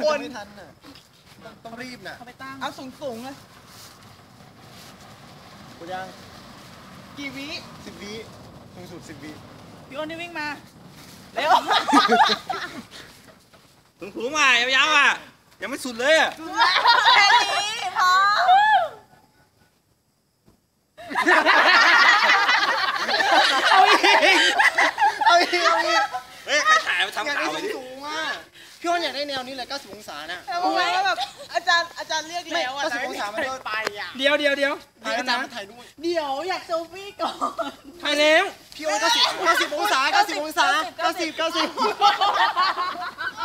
คนไม่ทันน่ะต้องรีบน่ะเอาสูงเลยกูยังกี่วิ 10 วิสูงสุด10 วิพี่อ้นนี่วิ่งมาเร็วถุงๆมายาวๆอ่ะยังไม่สุดเลยอ่ะแค่นี้พอเอาอีกเฮ้ยใครถ่ายมาทำข่าวเลยดิสูงอ่ะพี่อ้นอยากได้แนวนี้เลย90 องศาน่ะโอ้ยแบบอาจารย์เรียกแล้วอ่ะ 90 องศามันก็ไปอ่ะเดี๋ยวถ่ายอาจารย์มาถ่ายด้วยเดี๋ยวอยากเซลฟี่ก่อนถ่ายแล้วพี่อ้น90 องศา90 องศา90